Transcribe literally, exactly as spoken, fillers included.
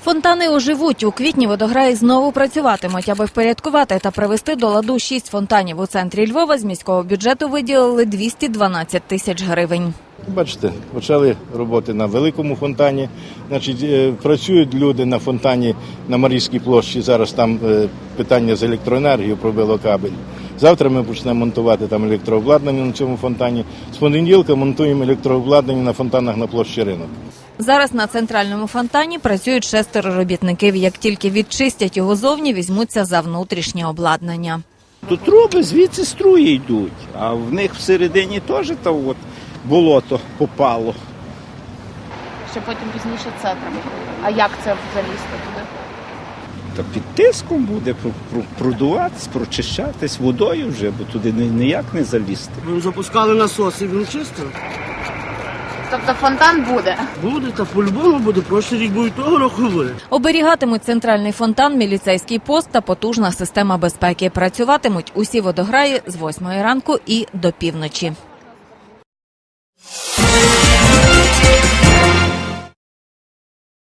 Фонтани оживуть. У квітні водограї знову працюватимуть. Аби впорядкувати та привести до ладу шість фонтанів у центрі Львова, з міського бюджету виділили двісті дванадцять тисяч гривень. Бачите, почали роботи на великому фонтані. Значить, працюють люди на фонтані на Марійській площі. Зараз там питання з електроенергією, пробило кабель. Завтра ми почнемо монтувати там електрообладнання на цьому фонтані. З понеділка монтуємо електрообладнання на фонтанах на площі Ринок. Зараз на центральному фонтані працюють шестеро робітників. Як тільки відчистять його зовні, візьмуться за внутрішнє обладнання. Тут труби, звідси струї йдуть, а в них всередині теж то от болото попало. Ще потім пізніше це треба. А як це залізти туди? Та під тиском буде продуватись, прочищатись водою вже, бо туди ніяк не залізти. Ми запускали насос і він чистив. Тобто фонтан буде? Буде, та по-любому буде. Прошлий рік був і того року буде. Оберігатимуть центральний фонтан, міліцейський пост та потужна система безпеки. Працюватимуть усі водограї з восьмої ранку і до півночі.